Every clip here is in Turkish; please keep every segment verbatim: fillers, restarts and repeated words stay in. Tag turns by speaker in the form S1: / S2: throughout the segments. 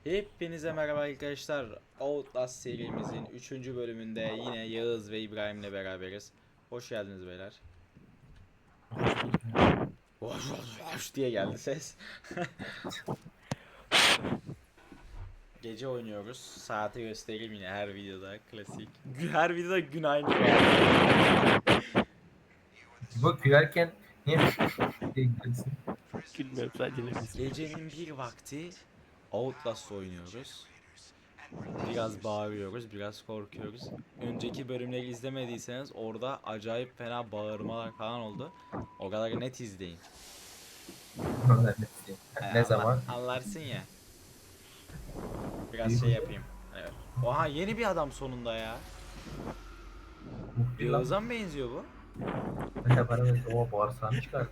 S1: Hepinize merhaba arkadaşlar. Outlast serimizin üçüncü bölümünde yine Yağız ve İbrahim'le beraberiz. Hoş geldiniz beyler. Hoş hoş hoş diye geldi ses. Gece oynuyoruz. Saati göstereyim yine her videoda klasik. Her videoda gün aynı.
S2: Bu gülerken niye diye gülüyorsun?
S3: Gülmüyorum sadece nefes.
S1: Gecenin bir vakti Outlast oynuyoruz. Biraz bağırıyoruz, biraz korkuyoruz. Önceki bölümleri izlemediyseniz orada acayip fena bağırmalar falan oldu. O kadar net izleyin.
S2: Ondan ne diyeyim?
S1: Hani
S2: Ne
S1: anla-
S2: zaman?
S1: anlarsın ya. Biraz şey yapayım. Evet. Oha yeni bir adam sonunda ya.
S2: Muhbir lan.
S1: Yağız'a mı benziyor bu?
S2: Mesela bana böyle o bağırsağını çıkar.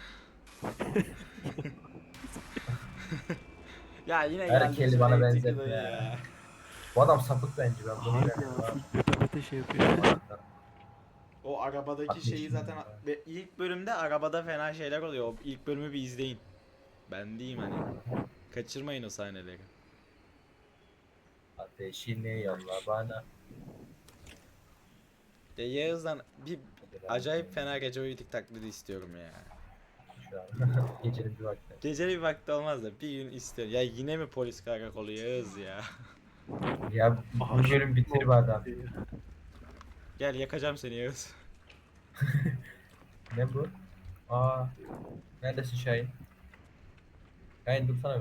S1: Ya yine
S2: Her
S1: geldi
S2: keli
S1: şu
S2: bana
S1: reytingli
S2: benzetme
S1: dayı
S2: ya.
S1: ya.
S2: Bu adam sapık bence, ben bunu
S3: Hayır
S2: inanıyorum
S3: ya
S2: abi.
S3: full beta beta şey yapıyor.
S1: O arabadaki
S2: Bak,
S1: şeyi
S2: yeşil
S1: zaten
S2: ya.
S1: ve ilk bölümde arabada fena şeyler oluyor. O ilk bölümü bir izleyin. Ben diyeyim hani. Kaçırmayın o sahneleri.
S2: Ateşini yolla bana.
S1: Ya Yağız'dan bir acayip fena gece uyuduk taklidi istiyorum ya.
S2: Şu an. Gecenin bir vakti.
S1: Geceli bir vakti olmaz da bir gün istiyorum. Ya yine mi polis karakolu Yağız ya?
S2: Ya bu bölüm bitir be adam.
S1: Gel yakacağım seni Yağız.
S2: Ne bu? Aa, neredesin Şahin? Şahin dursana be.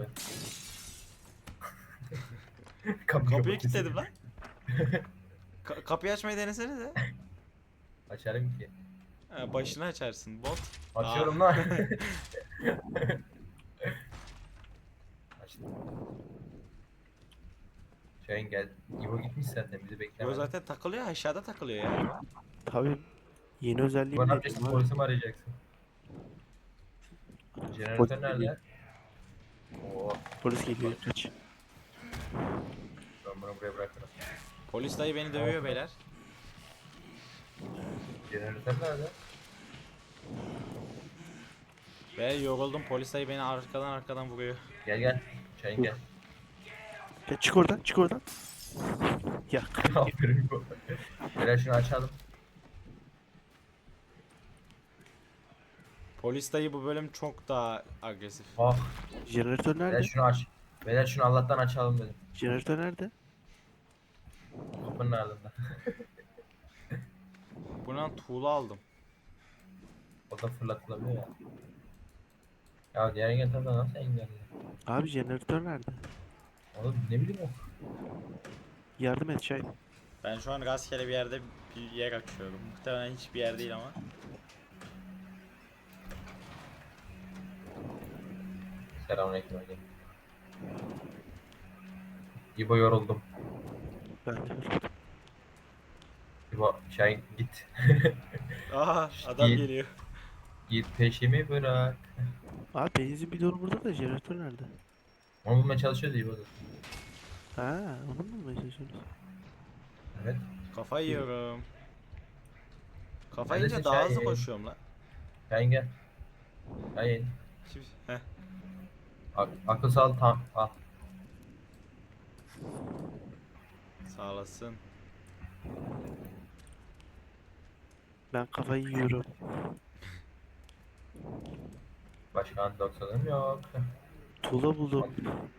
S2: Kapıyı
S1: Kapıyı
S2: kapat.
S1: kilitledim lan. Ka- kapıyı açmayı denesene de.
S2: Açarım ki.
S1: Ha, başını açarsın bot.
S2: Açıyorum
S1: Aa.
S2: lan. Açtım. Şahin gel. İbo gitmiş senden, bizi
S1: Bu
S2: bekleme.
S1: zaten takılıyor aşağıda takılıyor ya.
S3: Tabii yeni özelliği
S2: İbo ne
S3: bile
S2: yapacaksın?
S3: var.
S2: Polisi mi arayacaksın? Jeneratör nerede? Oo,
S3: Polis geliyor kaç.
S2: ben bunu buraya bırakırım.
S1: Polis dayı beni dövüyor beyler.
S2: Jeneratör nerede?
S1: Ve yoruldum polis dayı beni arkadan arkadan vuruyor.
S2: Gel gel. Şahin gel.
S3: Ya çık oradan çık oradan. Ya
S2: Aferin İbo. Gel şunu açalım.
S1: Polis dayı bu bölüm çok daha agresif.
S2: Ah.
S3: jeneratör
S2: Gel
S3: nerede?
S2: şunu aç. Beyler şunu Allah'tan açalım dedim.
S3: Jeneratör nerede?
S2: Kapının ardında.
S1: Buradan tuğla aldım.
S2: O da fırlatılabiliyor ya. Ya diğer engellerden nasıl engelliyor?
S3: Abi jeneratör nerede?
S2: Oğlum ne bileyim o.
S3: Yardım et Şahin.
S1: Ben şu an rastgele bir yerde bir yer açıyorum. Muhtemelen hiçbir yer değil ama.
S2: Selamünaleyküm hocam. İbo yoruldum.
S3: Ben de.
S2: İbo Şahin git.
S1: Aha adam
S2: Git.
S1: geliyor.
S2: Git peşimi bırak.
S3: Abi benzin bidonu burada da jeneratör nerede?
S2: Onu bulmaya çalışıyoruz İbo da.
S3: Ha, onu mu bulmaya çalışıyoruz?
S2: Evet.
S1: Kafa yiyorum. Kafa
S2: Neredesin
S1: yiyince daha hızlı
S2: Şahin?
S1: koşuyorum lan.
S2: Şahin gel. Şahin.
S1: Şimdi, heh.
S2: Ak akıl sağ tam. Al.
S1: Sağ olasın.
S3: Ben kafayı yiyorum.
S2: Başka antidoksanım yok.
S3: Tuğla buldum.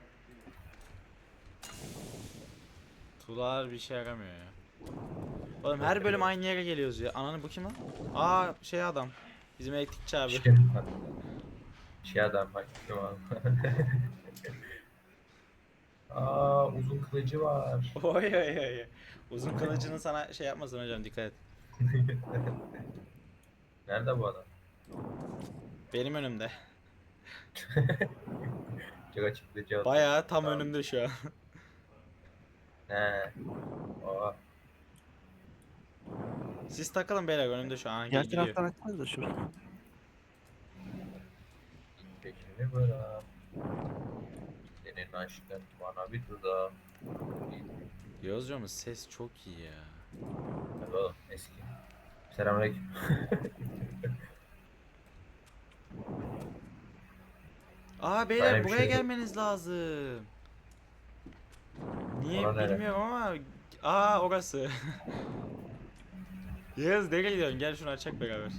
S1: Tuğlalar bir şey yaramıyor ya. Oğlum her bölüm aynı yere geliyoruz ya. Ananı bu kim lan? Aa şey adam. Bizim elektrikçi abi.
S2: Şey, şey adam bak. Kim abi? Aa, uzun kılıcı var.
S1: Oy oy oy. Uzun kılıcının sana şey yapmasın hocam dikkat et.
S2: Nerede bu adam?
S1: Benim önümde.
S2: Çok açıklayıcı oldu.
S1: Bayağı tam
S2: Tamam.
S1: önümde şu an.
S2: He. Aa,
S1: Siz takılın beyler önümde şu an.
S3: Diğer
S1: Gidiyor.
S3: taraftan açsanız da şurada.
S2: peşimi bırak. Senin aşkın bana bir tuzağı.
S1: Yozcam'ın ses çok iyi ya.
S2: Hadi oğlum eski. Selamünaleyküm.
S1: Aa beyler
S2: Böyle bir
S1: buraya
S2: şey yok.
S1: gelmeniz lazım.
S2: Ora nere?
S1: bilmiyorum ama aa orası. Yağız nereye gidiyorsun? Gel şunu açak beraber.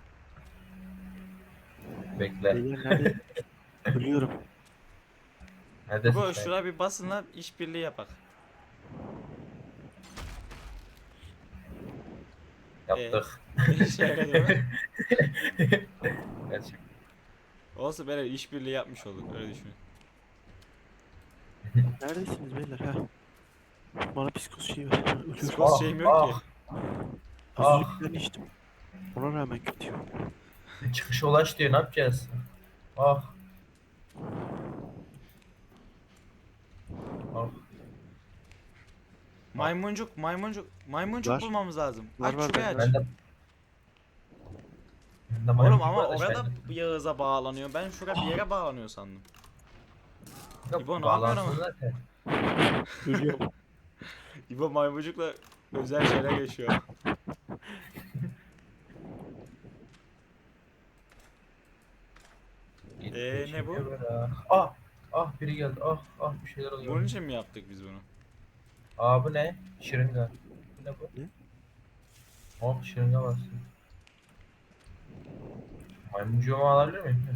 S2: Bekle.
S3: Beyler nerede? Ölüyorum.
S2: Neredesin
S1: Bu
S2: sen?
S1: şuna bir basın lan işbirliği yapak.
S2: Yaptık.
S1: İşe yaradı mı?
S2: Gerçek.
S1: Olsun böyle işbirliği yapmış olduk öyle düşünün.
S3: Neredesiniz beyler ha? Bana psikos şeyi ver. Ölüyorum.
S1: Psikos
S2: Ah,
S1: şeyim yok ki.
S2: ah.
S3: Az
S2: Ah.
S3: önce bir tane içtim. Ona rağmen kötüyüm.
S2: Çıkışa ulaş diyor, ne yapacağız? Ah. Ah.
S1: Maymuncuk, maymuncuk, maymuncuk
S3: Var.
S1: bulmamız lazım.
S3: Var,
S1: Aç
S3: var,
S1: şurayı
S3: ben-
S1: aç.
S2: Ben de... Ben de
S1: Oğlum
S2: maymuncuk
S1: ama
S2: var da
S1: orada
S2: ben de-
S1: Yağız'a bağlanıyor. Ben şuraya bir yere bağlanıyor sandım.
S2: Yok,
S1: İbo, ne
S2: bağlansın
S1: yapıyorsun
S2: zaten.
S3: Ölüyorum.
S1: İbo maymuncukla özel şeyler yaşıyor.
S2: Git
S1: Ee,
S2: peşime
S1: ne bu?
S2: böyle. Ah. Ah, biri geldi. Ah. Ah, bir şeyler oluyor.
S1: Bunun için mi yaptık biz bunu?
S2: Aa, bu ne? Şırınga. Bu ne bu?
S3: Ne?
S2: Oh, şırınga bastı. Maymuncuğumu alabilir miyim?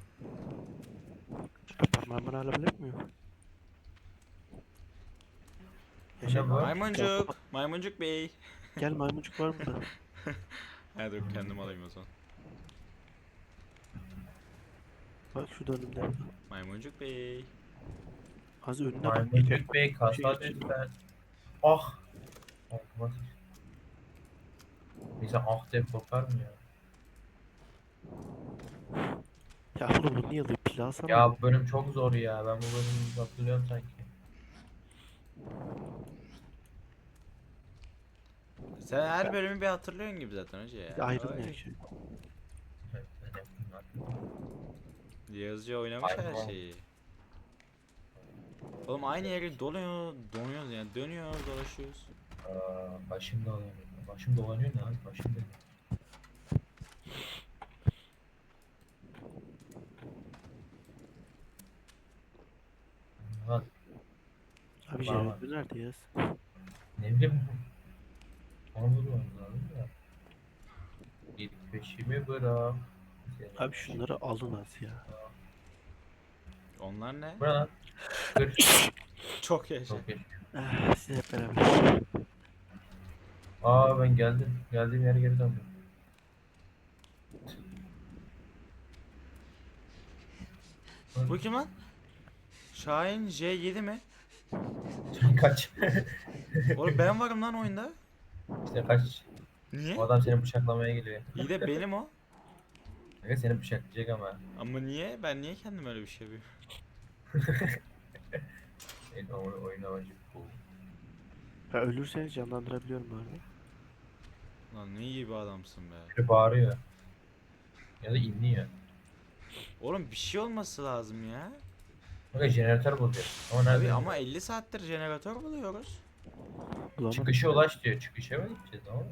S3: Parmağımı alabilir miyim?
S2: Ne bu?
S1: Maymuncuk, maymuncuk bey.
S3: Gel maymuncuk var burada.
S1: Ha dur kendim alayım o zaman.
S3: Bak şurada önümde.
S1: Maymuncuk bey.
S3: Az önüne bak.
S2: Maymuncuk bey,
S3: Şey
S2: kasa
S3: geçti.
S2: lütfen. Ah. Olmaz. Bize ah diye korkar mı ya?
S3: Ya oğlum bu niye alıyor? Pilav sana.
S2: Ya bu bölüm çok zor ya. Ben bu bölümü hatırlıyorum sanki.
S1: Sen her bölümü bir hatırlıyorsun gibi zaten hoca ya.
S3: Ayrılmıyor
S1: Oy.
S3: ki.
S2: Evet, ben yaptım artık.
S1: Yağızca oynamış her
S2: Aynen.
S1: şeyi. Oğlum aynı yere donuyor, donuyoruz yani dönüyoruz, dolaşıyoruz.
S2: Aa, başım dolanıyor. Başım dolanıyor ne abi? Başım dönüyor. Lan
S3: Abi
S2: Bana
S3: jeneratör nerede yaz?
S2: ne bileyim. Onu bulmam lazım da. Git peşimi bırak.
S3: Abi şunları alın az ya.
S1: Onlar ne?
S2: Bu ne lan? Kır.
S1: Çok yaşa.
S2: Çok geç.
S3: Ah, siz hep beraber.
S2: Aa, ben geldim. Geldiğim yere geri döndüm.
S1: Bu kim lan? Şahin J yedi mi?
S2: Kaç.
S1: Oğlum ben varım lan oyunda.
S2: İşte kaç.
S1: Niye?
S2: O adam seni bıçaklamaya geliyor.
S1: İyi de benim o.
S2: Kanka seni bıçaklayacak ama.
S1: Ama niye? Ben niye kendim öyle bir şey yapıyorum?
S2: En oyun, oyun amacı bu.
S3: Ya ölürseniz canlandırabiliyorum bu arada.
S1: Lan ne iyi bir adamsın be.
S2: Biri bağırıyor. Ya da inliyor.
S1: Oğlum bir şey olması lazım ya.
S2: Kanka jeneratör buluyor. Ama nerede?
S1: Abi ama elli saattir jeneratör buluyoruz.
S3: Bulamadım.
S2: Çıkışa ulaş diyor. Çıkışa mı gideceğiz? Ne oldu?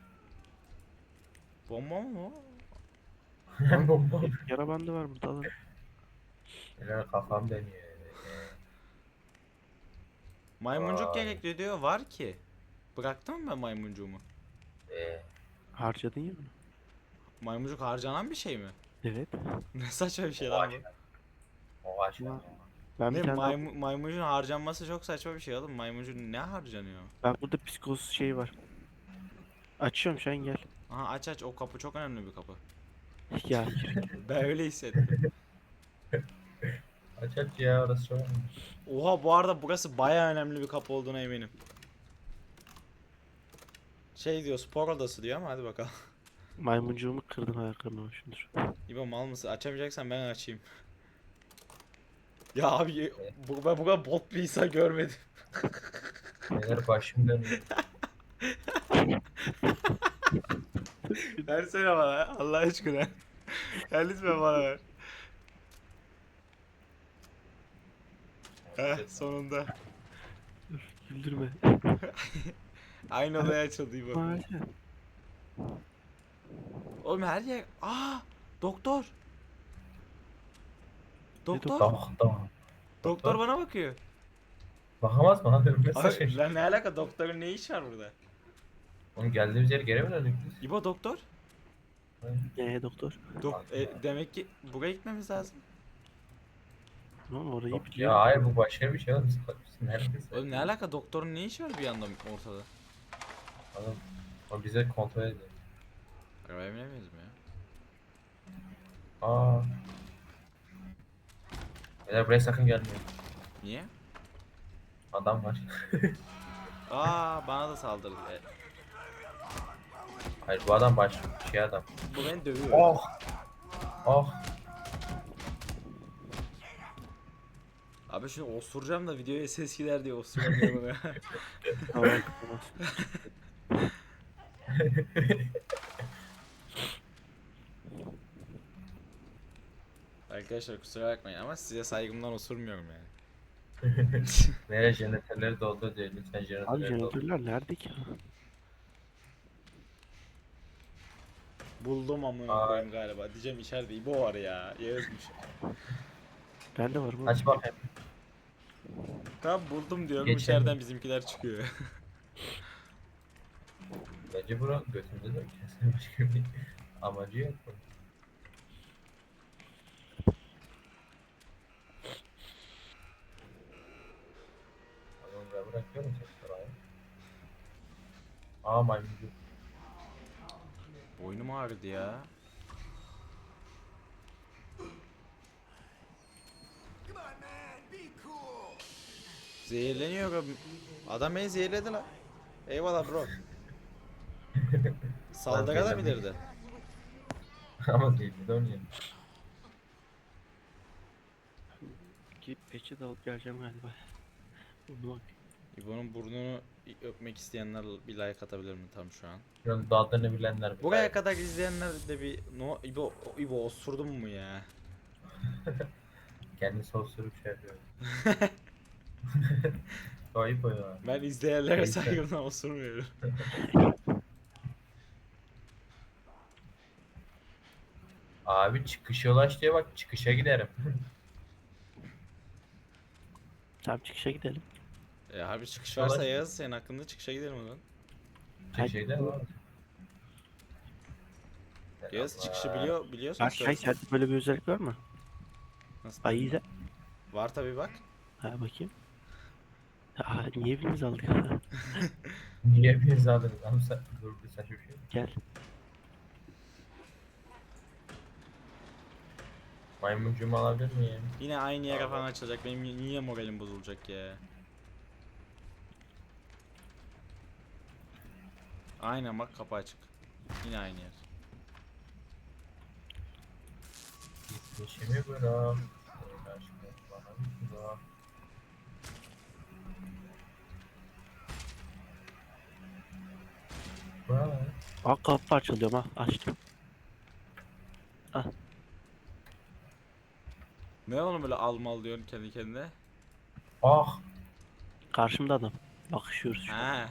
S1: Bomba mı o?
S2: Bomba.
S3: Yara bandı var burada alın.
S2: Neler kafam dönüyor.
S1: Maymuncuk
S2: Vay.
S1: gerekli diyor. Var ki. Bıraktım mı ben maymuncuğumu?
S2: Ee,
S3: Harcadın ya bunu.
S1: Maymuncuk harcanan bir şey mi?
S3: Evet.
S1: Ne saçma bir şey lan bu.
S2: o aç lan.
S3: Ben
S1: Ne
S3: bir tane daha-
S1: maymu maymuncun harcanması çok saçma bir şey oğlum. Maymuncun ne harcanıyor?
S3: ben burada psikos şey var. Açıyorum şu an gel.
S1: Aha aç aç o kapı çok önemli bir kapı.
S3: Ya yürü.
S1: Ben öyle hissettim.
S2: Aç aç ya, orası çok önemli.
S1: Oha bu arada burası baya önemli bir kapı olduğuna eminim. Şey diyor spor odası diyor ama hadi bakalım.
S3: Maymuncuğumu kırdım ayaklarına şundur.
S1: İbo mal mısın? Açamayacaksan ben açayım. Ya abi bu, ben bu kadar bot bir insan görmedim.
S2: Neler başım dönüyor.
S1: Versene bana Allah aşkına. Gel lütfen bana ver. Heh sonunda.
S3: Güldürme.
S1: Aynı odaya açıldı İbo.
S3: Maalesef.
S1: Oğlum her yer... Aa doktor. Doktor.
S3: doktor?
S2: Tamam tamam.
S1: Doktor bana bakıyor.
S2: Bakamaz mı abi? Ne
S1: Abi
S2: saçma.
S1: lan ne alaka, doktorun ne işi var burada?
S2: Oğlum geldiğimiz yere geri mi döndük biz?
S1: İbo doktor?
S3: Ee doktor.
S1: Dok e, demek ki buraya gitmemiz lazım.
S3: Lan orayı
S2: Yok
S3: biliyor.
S2: ya hayır bu başka bir şey oğlum. Biz biz neredeyiz?
S1: Oğlum ne alaka, doktorun ne işi var bir anda ortada?
S2: Oğlum o bize kontrol ediyor.
S1: Arabaya binemeyiz mi ya?
S2: Aa. Beyler buraya sakın gelmeyin.
S1: Niye?
S2: Adam var.
S1: Aa, bana da saldırdı. E,
S2: Hayır bu adam baş şey adam.
S1: bu beni dövüyor.
S2: Oh. Oh.
S1: Abi şunu osuracağım da videoya ses gider diye osuramıyorum ya.
S3: Tamam tamam.
S1: Arkadaşlar kusura bakmayın ama size saygımdan osurmuyorum yani.
S2: Nereye jeneratörleri doldur diyor. Lütfen
S3: Abi
S2: jeneratörleri doldur.
S3: jeneratörler nerede ki?
S1: Buldum amına
S2: Aa.
S1: koyayım galiba. Diyeceğim içeride İbo var ya. Yağızmış.
S3: Bende var bu.
S2: Aç bakayım.
S1: Tamam buldum diyorum,
S2: Geçelim.
S1: içeriden bizimkiler çıkıyor.
S2: Bence bura götümüzde de kesin başka bir amacı yok. bunun. Adamı ben bırakıyorum tekrar ayağa. Aa maymuncu.
S1: Boynum ağrıdı ya. Zehirleniyor abi. Adam beni zehirledi lan. Eyvallah bro. Saldırı da bilirdi.
S2: Ama değil de oynayalım.
S3: Gidip peçe de alıp geleceğim galiba. Bunu bak.
S1: İbo'nun burnunu öpmek isteyenler bir like atabilir mi tam şu an?
S2: Şuranın daldığını bilenler bir
S1: Buraya
S2: like.
S1: kadar izleyenler de bir no İbo İbo osurdun mu ya?
S2: Kendi sosurup şey yapıyor. Ayıp o ya.
S1: Ben izleyenlere
S2: Neyse.
S1: saygımdan osurmuyorum.
S2: Abi çıkışa ulaş diye bak çıkışa giderim.
S3: Tamam çıkışa gidelim.
S1: E harbi çıkış
S2: Yavaş.
S1: varsa yaz, senin hakkında çıkışa gidelim o zaman.
S2: Çıkışa giderim abi.
S1: Yaz çıkışı biliyor biliyorsun.
S3: Ay, ay sende böyle bir özellik var mı?
S1: Nasıl?
S3: Ay izle.
S1: Var tabi bak.
S3: Ha bakayım. Aa niye birimiz aldık?
S2: Niye bir aldınız? Abi sen dur bir saçma bir şey.
S3: Gel.
S2: Maymuncuğumu alabilir miyim?
S1: Yine aynı yere falan açılacak. Benim niye moralim bozulacak ya? Aynen bak, kapı açık. Yine aynı yer.
S2: Gitmişimi bırak. Senin aşkın bana bir bırak. Bırak.
S3: Aa kapı parçalıyorum ha. Açtım.
S1: Ne oğlum böyle al mal diyorsun kendi kendine?
S2: Ah.
S3: Karşımda adam. Bakışıyoruz şu an.
S1: Ha.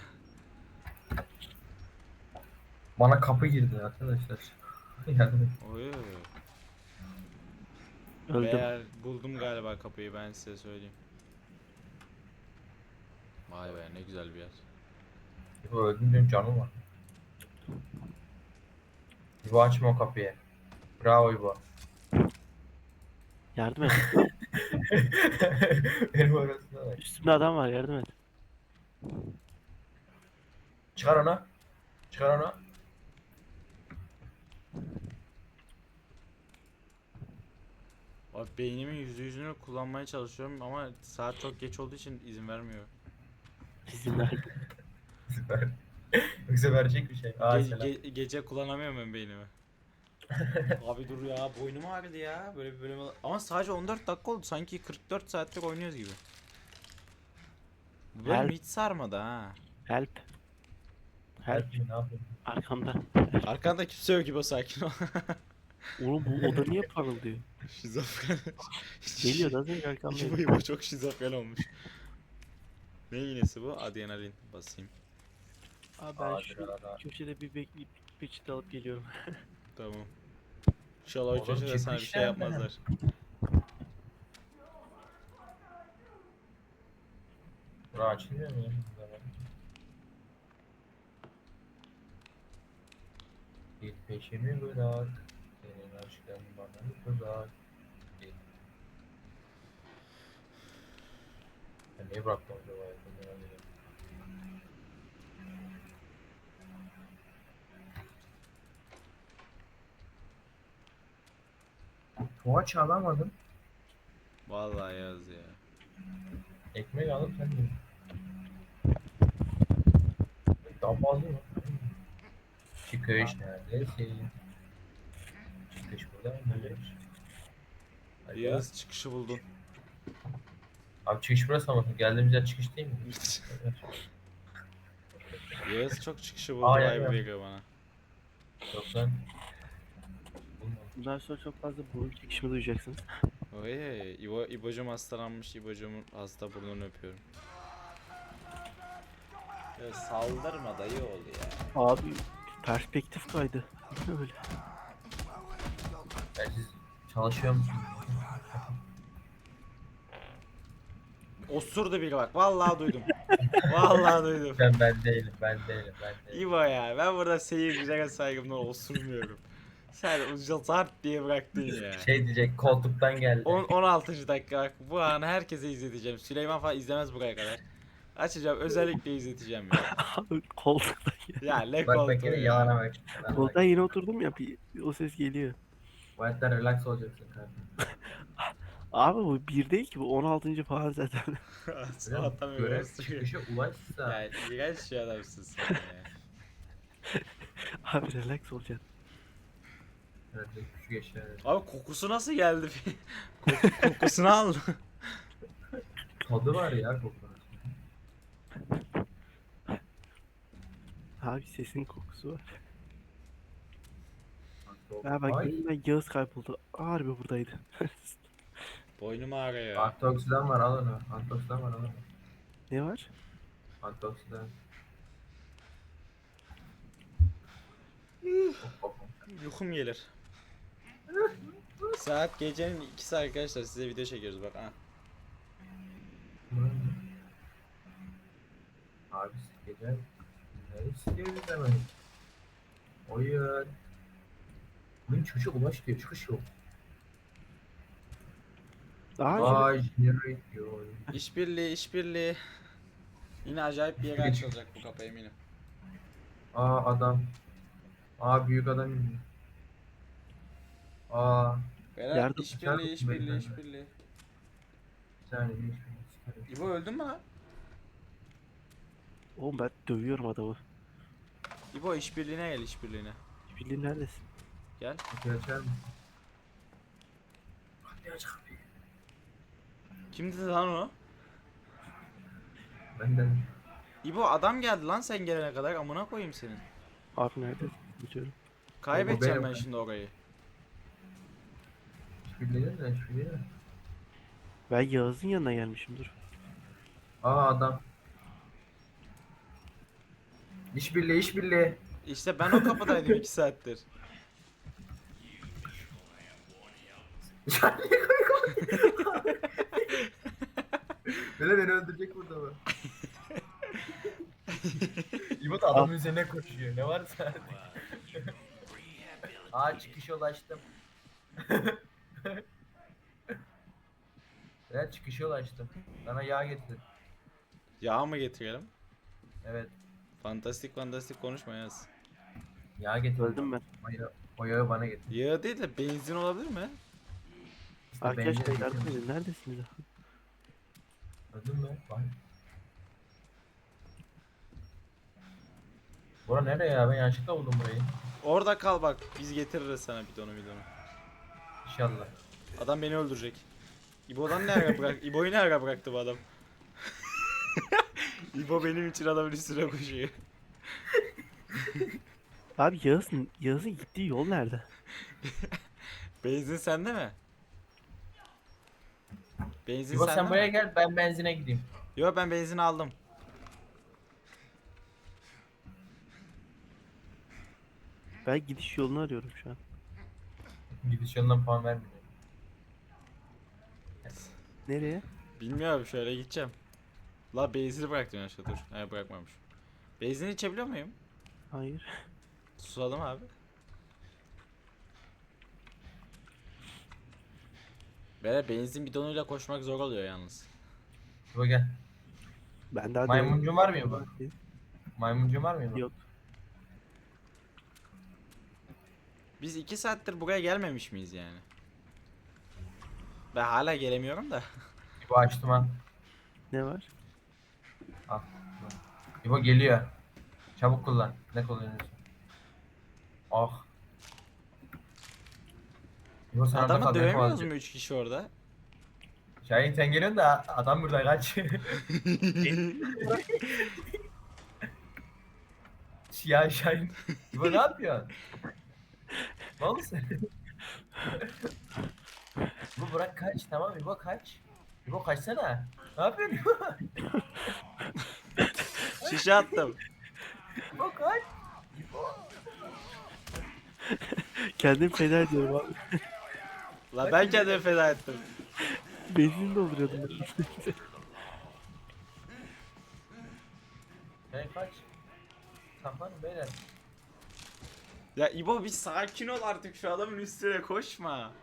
S2: Bana kapı girdi arkadaşlar. Yani
S1: Oy.
S3: Öldüm.
S1: Beyler buldum galiba kapıyı, ben size söyleyeyim. Vay be ne güzel bir yer.
S2: bu öldüm diyorum canım var. İbo açma o kapıyı. Bravo İbo.
S3: Yardım et.
S2: Benim arasında bak.
S3: Üstümde adam var yardım et.
S2: Çıkar onu. Çıkar onu.
S1: Abi beynimin yüzde yüzünü kullanmaya çalışıyorum ama saat çok geç olduğu için izin vermiyor.
S3: İzin ver.
S2: Süper. Yoksa verecek bir şey. Aa
S1: Ge-
S2: selam.
S1: ge- gece kullanamıyorum ben beynimi. Abi dur ya, boynum ağrıdı ya böyle bir bölüm ama sadece on dört dakika oldu, sanki kırk dört saattir oynuyoruz gibi. Bu bölüm
S3: Help.
S1: hiç sarmadı ha.
S3: Help. Help.
S2: Help me, ne yapayım?
S3: Arkanda.
S1: Arkanda kimse yok gibi, sakin ol.
S3: Oğlum bu oda niye parıldıyor?
S1: Şizofren.
S3: Geliyor az önce arkamda.
S1: Bu bu çok şizofren olmuş. Ne iğnesi bu? Adrenalin basayım.
S3: Abi ben
S2: Aa,
S3: şu
S2: adrenalin.
S3: köşede bir bekleyip peçete alıp geliyorum.
S1: Tamam. İnşallah o
S2: Oğlum,
S1: köşede sana bir şey
S2: çıkmışlar mı?
S1: yapmazlar.
S2: Bura açılmıyor mu ya? Git peşimi bırak. Senin aşkın bana tuzak. Git. Ben niye bıraktım acaba ya? Ben merak ediyorum. Poğaça alamadım.
S1: Vallahi yaz ya.
S2: Ekmek alıp sen de. Daha fazla mı? Çıkış neredesin? Çıkış burada mıymış? Hadi ya.
S1: Yağız çıkışı buldun.
S2: Abi çıkış burası ama geldiğimiz yer çıkış değil mi?
S1: Yağız çok çıkışı buldu
S2: Aa, ya,
S1: vibe
S2: ya.
S1: veriyor bana.
S2: Yok lan. Bulmadım.
S3: Bundan sonra çok fazla burun çekişimi duyacaksınız.
S1: Oy, İbo, İbo'cum hastalanmış. İbo'cumun hasta burnunu öpüyorum. Ya saldırma dayı oğlu ya.
S3: Abi perspektif kaydı. Ne öyle?
S2: Ben siz çalışıyor musunuz?
S1: Osurdu biri bak. Vallahi duydum. Vallahi duydum.
S2: Ben ben değilim, ben değilim, ben değilim.
S1: İbo ya, ben burada seyircilere saygımdan osurmuyorum. Sen uca zart diye bıraktın ya.
S2: Şey diyecek, koltuktan geldi.
S1: on on altıncı dakika bak, bu anı herkese izleteceğim. Süleyman falan izlemez buraya kadar. Açacağım, özellikle izleteceğim ya.
S3: Abi koltuktan ya.
S1: Ya ne
S2: Bak
S1: koltuğu
S2: bak yine
S1: ya.
S2: yalana bak. Yalana bak.
S3: Koltuktan yine oturdum ya, bir, o ses geliyor.
S2: Bu hayatta relax olacaksın kardeşim.
S3: Abi bu bir değil ki, bu on altıncı falan zaten.
S1: Sabahtan beri
S2: Görev
S1: osuruyor.
S2: çıkışa ulaşsa.
S1: Ya iğrenç şey adamsın sen ya.
S3: Abi relax olacaksın.
S2: Evet, küçük eşya.
S1: Abi kokusu nasıl geldi? Koku, kokusunu al.
S2: Tadı var ya kokunun.
S3: Abi sesin kokusu var.
S2: Bak,
S3: Ha bak
S2: Ay,
S3: yeniden Yağız kayboldu. Harbi buradaydı.
S1: Boynum ağrıyor.
S2: antioksidan var al onu. Antioksidan var al onu.
S3: Ne var?
S2: Antioksidan. Hop, hop, hop.
S1: Uykum gelir. Saat gecenin ikisi arkadaşlar, size video çekiyoruz bak ha.
S2: Abi gece neyi sikiyoruz hemen? Oyun. Oyun çıkışa ulaş diyor. Çıkış yok.
S3: Daha
S2: Vay generate diyor.
S1: İşbirliği, işbirliği. Yine acayip bir yere açılacak bu kapı eminim.
S2: Aa adam. Aa büyük adam indi. Aa
S1: Berat
S3: Yardım-
S1: işbirliği,
S2: Yardım-
S1: işbirliği, işbirliği.
S2: bir saniye bir şey.
S1: İbo öldün mü lan?
S3: Oğlum ben dövüyorum adamı.
S1: İbo işbirliğine gel, işbirliğine.
S3: Bildiğin neredesin?
S1: Gel.
S2: Kapıyı açar mısın? Kapıyı aç kapıyı.
S1: Kimdi lan o?
S2: Ben de.
S1: İbo adam geldi lan sen gelene kadar, amına koyayım senin.
S3: Abi neredesin? Biliyorum.
S1: Kaybedeceğim
S2: benim
S1: ben
S2: ben.
S1: şimdi orayı.
S2: Hiçbirliği de hiçbirliği de.
S3: Ben Yağız'ın yanına gelmişim, dur.
S2: Aa adam. İşbirliği işbirliği.
S1: İşte ben o kapıdaydım iki saattir.
S2: Böyle beni öldürecek burada bu. İbo da adamın üzerine koşuyor. Ne varsa artık. Aa çıkışa ulaştım. Ben çıkışa ulaştım. Bana yağ getir.
S1: Yağ mı getirelim?
S2: Evet.
S1: Fantastik fantastik konuşma yaz.
S2: Yağ getir.
S3: Öldüm ben.
S2: O yağı, o yağı bana getir.
S1: Yağ değil de benzin olabilir mi?
S2: İşte
S3: Arkadaşlar
S2: benzin
S3: yardım
S2: getir.
S3: edin, neredesiniz?
S2: Öldün mü? Bak. Bura nereye ya? Ben yanlışlıkla buldum burayı.
S1: Orada kal bak, biz getiririz sana bidonu bidonu.
S2: İnşallah.
S1: Adam beni öldürecek. İbo'dan ne ara bırak? İbo'yu ne ara bıraktı bu adam? İbo benim için adamın üstüne koşuyor.
S3: Abi Yağız'ın Yağız'ın gittiği yol nerede?
S1: Benzin sende mi? Benzin
S2: İbo
S1: sende
S2: sen buraya
S1: mi?
S2: gel ben benzine gideyim.
S1: Yo, ben benzin aldım.
S3: Ben gidiş yolunu arıyorum şu an.
S2: Gidiş yolundan puan vermiyor.
S3: Nereye?
S1: Bilmiyorum, şöyle gideceğim. La benzin'i bıraktım yanlışlıkla dur. Hayır bırakmamış. Benzini içebiliyor muyum?
S3: Hayır.
S1: Susadım abi. Böyle benzin bidonuyla koşmak zor oluyor yalnız.
S2: İbo gel.
S3: Ben daha
S2: Maymuncuğun var mı ya bu?
S3: denemedim.
S2: Maymuncuğun var mı İbo?
S3: Yok.
S1: Biz iki saattir buraya gelmemiş miyiz yani? Ben hala gelemiyorum da.
S2: İbo açtım ha.
S3: Ne var?
S2: Al. İbo geliyor. Çabuk kullan. Ne kullanıyorsun? Ah. İbo sen orada
S1: Adamı
S2: kal, beni
S1: dövemiyoruz
S2: kovalayacak.
S1: mu üç kişi orada?
S2: Şahin sen geliyorsun da adam burada kaç. Ya Şahin. İbo ne yapıyorsun? Ne oldu sen? İbo bırak kaç, tamam İbo kaç. İbo kaçsana. Ne yapıyorsun İbo?
S1: Şişe attım.
S2: İbo kaç. İbo.
S3: Kendim feda ediyorum abi.
S1: La ben kendimi feda ettim.
S3: Benzin dolduruyordum ben.
S2: Şahin kaç. Saklanın beyler.
S1: Ya İbo bir sakin ol artık, şu adamın üstüne koşma.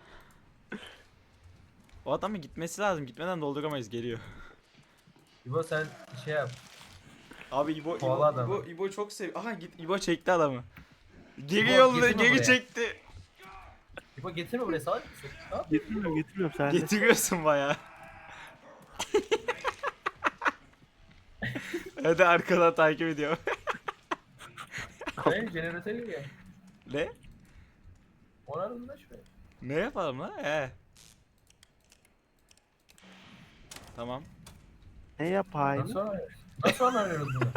S1: O adamın gitmesi lazım. Gitmeden dolduramayız, geliyor.
S2: İbo sen şey yap.
S1: Abi İbo
S2: Kovala
S1: İbo,
S2: adamı.
S1: İbo, İbo çok sev. Aha git, İbo çekti adamı. Geri
S2: İbo,
S1: yolladı,
S2: getirme
S1: geri
S2: buraya.
S1: çekti.
S2: İbo getirme buraya salak mısın? Ne yapıyorsun?
S3: Getirmiyorum getirmiyorum sen de.
S1: Getiriyorsun bayağı. Hadi arkadan takip ediyor.
S2: Şahin jeneratör geliyor.
S1: Ne?
S2: Onarın da şuraya.
S1: Ne yapalım lan? He. Tamam.
S3: Ne yapayım?
S2: Nasıl onarıyoruz? Nasıl onarıyoruz bunu?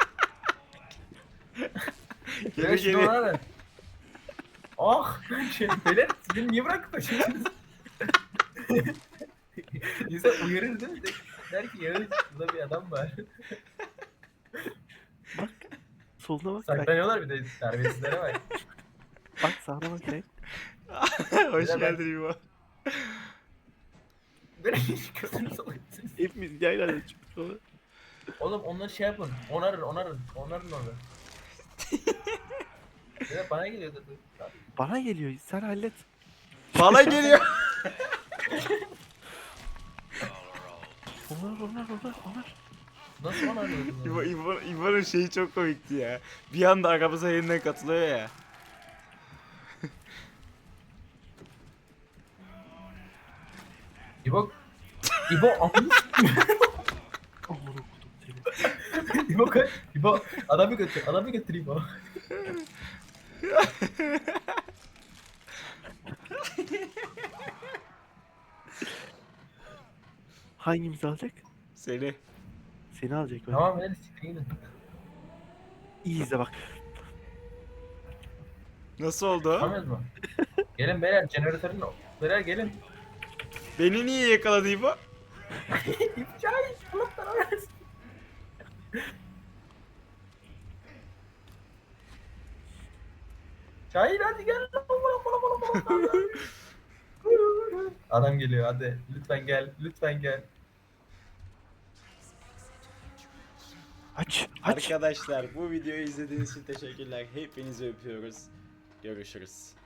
S1: Geri
S2: Evet, şimdi
S1: geri.
S2: onarın. Ah! Şey, beyler beni niye bırakıp kaçıyorsunuz? İnsan uyarır değil mi? Der ki Yağız burada bir adam var.
S3: Soluna bak. Bak,
S2: Saklanıyorlar bir de terbiyesizlere bak.
S3: bak sağına bak sen.
S1: Hoş
S2: Beyler, ben-
S1: geldin İbo.
S2: Böyle hiç gözünü salaksınız.
S3: Hepimiz yayla çıktık sonra.
S2: Oğlum onları şey yapın. Onarın onarın. Onarın onu. Ya bana geliyor dedi.
S3: Bana geliyor sen hallet.
S1: Bana geliyor.
S3: Onlar onlar onlar onlar.
S2: Nasıl onarıyoruz
S1: İbo,
S2: bunu?
S1: İbo, İbo'nun şeyi çok komikti ya. Bir anda aramıza yeniden katılıyor ya.
S2: İbo... İbo amına
S3: Aman okudum seni.
S2: İbo kaç. İbo adamı götür. Adamı götür İbo.
S3: Hangimizi alacak?
S1: Seni.
S3: Seni alacak ben.
S2: Tamam hadi siktir gidin.
S3: İyi izle bak.
S1: Nasıl oldu?
S2: Tamamız mı? Gelin beyler jeneratörün beyler gelin.
S1: Beni niye yakaladı İbo?
S2: İpçay Allah sana versin. Şahin hadi gel. Adam geliyor hadi. Lütfen gel. Lütfen gel.
S3: Aç aç.
S1: Arkadaşlar bu videoyu izlediğiniz için teşekkürler. Hepinizi öpüyoruz. Görüşürüz.